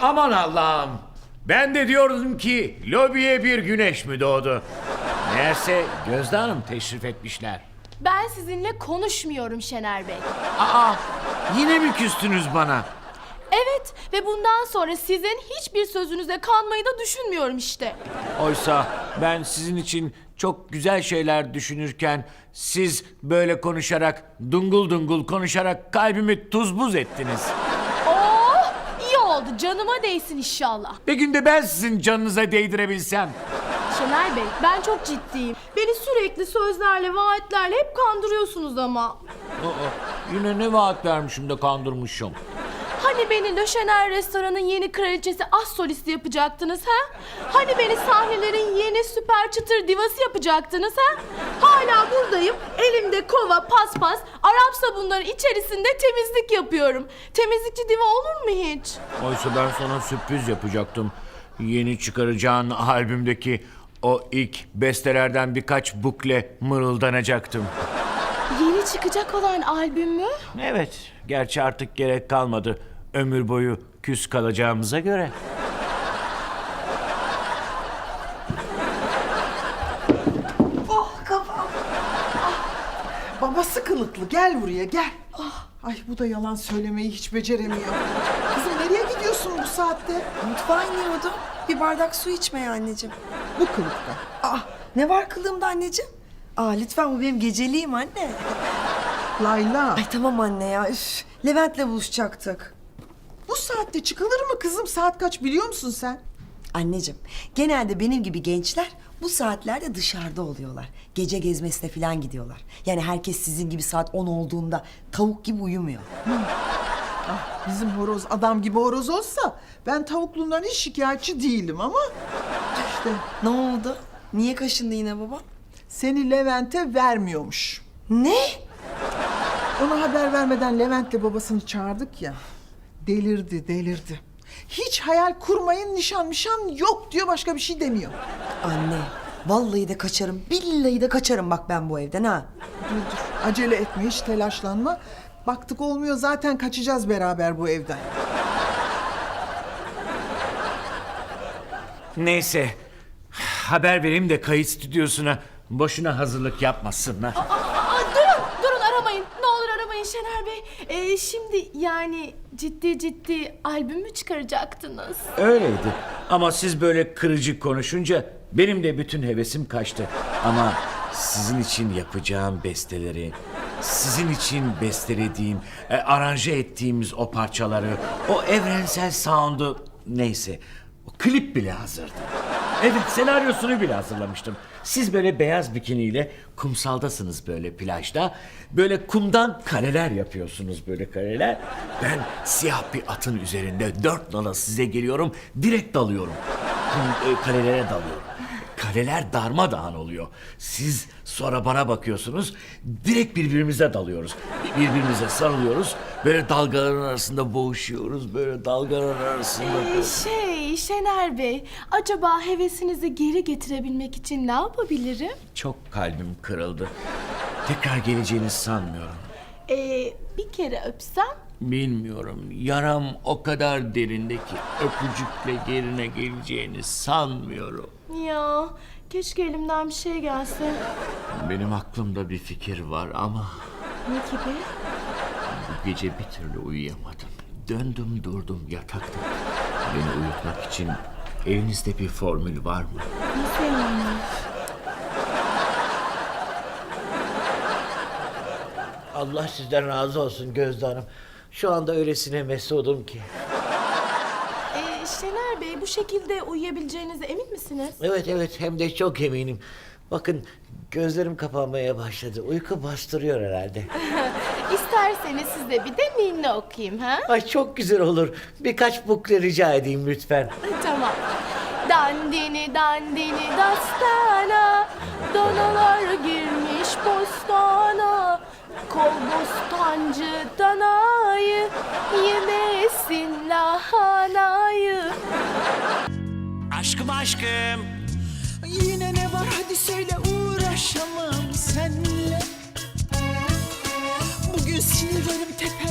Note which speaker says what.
Speaker 1: Aman Allah'ım. Ben de diyordum ki lobiye bir güneş mi doğdu? Meğerse Gözde Hanım teşrif etmişler.
Speaker 2: Ben sizinle konuşmuyorum Şener Bey.
Speaker 1: Aa, yine mi küstünüz bana?
Speaker 2: Evet ve bundan sonra sizin hiçbir sözünüze kanmayı da düşünmüyorum işte.
Speaker 1: Oysa ben sizin için çok güzel şeyler düşünürken siz böyle konuşarak, dungul dungul konuşarak kalbimi tuz buz ettiniz.
Speaker 2: Oh, iyi oldu, canıma değsin inşallah.
Speaker 1: Bir günde ben sizin canınıza değdirebilsem.
Speaker 2: Şener Bey, ben çok ciddiyim. Beni sürekli sözlerle, vaatlerle hep kandırıyorsunuz ama.
Speaker 1: Aa, yine ne vaat vermişim de kandırmışım.
Speaker 2: Hani beni Le Chener restoranın yeni kraliçesi az solisti yapacaktınız ha? Hani beni sahnelerin yeni süper çıtır divası yapacaktınız ha? Hala buradayım, elimde kova, paspas, Arap sabunları içerisinde temizlik yapıyorum. Temizlikçi diva olur mu hiç?
Speaker 1: Oysa ben sana sürpriz yapacaktım. Yeni çıkaracağın albümdeki o ilk bestelerden birkaç bukle mırıldanacaktım.
Speaker 2: Yeni çıkacak olan albüm mü?
Speaker 1: Evet, gerçi artık gerek kalmadı. Ömür boyu küs kalacağımıza göre.
Speaker 3: Oh kafam. Babası kılıklı, gel buraya gel. Ay bu da yalan söylemeyi hiç beceremiyor. Kızım nereye gidiyorsun bu saatte?
Speaker 4: Mutfağa iniyordum. Bir bardak su içmeye anneciğim.
Speaker 3: Bu kılıkta.
Speaker 4: Ne var kılığımda anneciğim? Lütfen bu benim geceliğim anne.
Speaker 3: Layla,
Speaker 4: Ay tamam anne ya. Üf. Levent'le buluşacaktık.
Speaker 3: bu saatte çıkılır mı kızım? Saat kaç biliyor musun sen?
Speaker 4: Anneciğim, genelde benim gibi gençler bu saatlerde dışarıda oluyorlar. Gece gezmesine falan gidiyorlar. Yani herkes sizin gibi saat 10 olduğunda tavuk gibi uyumuyor.
Speaker 3: Bizim horoz adam gibi horoz olsa ben tavukluğundan hiç şikayetçi değilim ama işte
Speaker 4: Ne oldu? Niye kaşındı yine baba?
Speaker 3: seni Levent'e vermiyormuş.
Speaker 4: Ne?
Speaker 3: Ona haber vermeden Levent'le babasını çağırdık ya. Delirdi. Hiç hayal kurmayın, nişan yok diyor, başka bir şey demiyor.
Speaker 4: Anne, vallahi de kaçarım, billahi de kaçarım bak ben bu evden ha.
Speaker 3: Dur, acele etme, hiç telaşlanma. Baktık olmuyor, zaten kaçacağız beraber bu evden.
Speaker 1: Neyse, haber vereyim de kayıt stüdyosuna boşuna hazırlık yapmasınlar.
Speaker 2: Durun aramayın. Ne olur aramayın Şener Bey. Şimdi yani ciddi albüm mü çıkaracaktınız?
Speaker 1: Öyleydi ama siz böyle kırıcı konuşunca benim de bütün hevesim kaçtı. Ama sizin için yapacağım besteleri, sizin için bestelediğim, aranje ettiğimiz o parçaları, o evrensel sound'u, neyse, o klip bile hazırdı. Evet, senaryosunu bile hazırlamıştım. Siz böyle beyaz bikiniyle kumsaldasınız böyle plajda. Böyle kumdan kareler yapıyorsunuz, böyle kareler. Ben siyah bir atın üzerinde 4 nala size geliyorum. Direkt dalıyorum. Karelere dalıyorum. Kareler darmadağın oluyor. Siz sonra bana bakıyorsunuz. Direkt birbirimize dalıyoruz. Birbirimize sarılıyoruz. Böyle dalgaların arasında boğuşuyoruz. Böyle dalgaların arasında.
Speaker 2: Şener Bey, acaba hevesinizi geri getirebilmek için ne yapabilirim?
Speaker 1: Çok kalbim kırıldı. Tekrar geleceğini sanmıyorum.
Speaker 2: Bir kere öpsem?
Speaker 1: Bilmiyorum. Yaram o kadar derinde ki öpücükle yerine geleceğini sanmıyorum.
Speaker 2: Ya, keşke elimden bir şey gelse.
Speaker 1: Benim aklımda bir fikir var ama
Speaker 2: Ne gibi?
Speaker 1: bu gece bir türlü uyuyamadım. Döndüm durdum yatakta. Beni uyutmak için elinizde bir formül var mı?
Speaker 2: Nasıl yani?
Speaker 1: Allah sizden razı olsun Gözde Hanım. Şu anda öylesine mesudum ki.
Speaker 2: Şener Bey, bu şekilde uyuyabileceğinize emin misiniz?
Speaker 1: Evet hem de çok eminim. Bakın gözlerim kapanmaya başladı. Uyku bastırıyor herhalde.
Speaker 2: İsterseniz size bir de ninni okuyayım ha?
Speaker 1: Ay çok güzel olur. Birkaç bukle rica edeyim lütfen.
Speaker 2: Tamam. Dandini dandini dastana, danalar girmiş bostana. Kol bostancı danayı, yemesin lahanayı.
Speaker 1: Aşkım.
Speaker 3: Yine ne var hadi söyle, uğraşamam seninle. Bugün sinirlerim tepe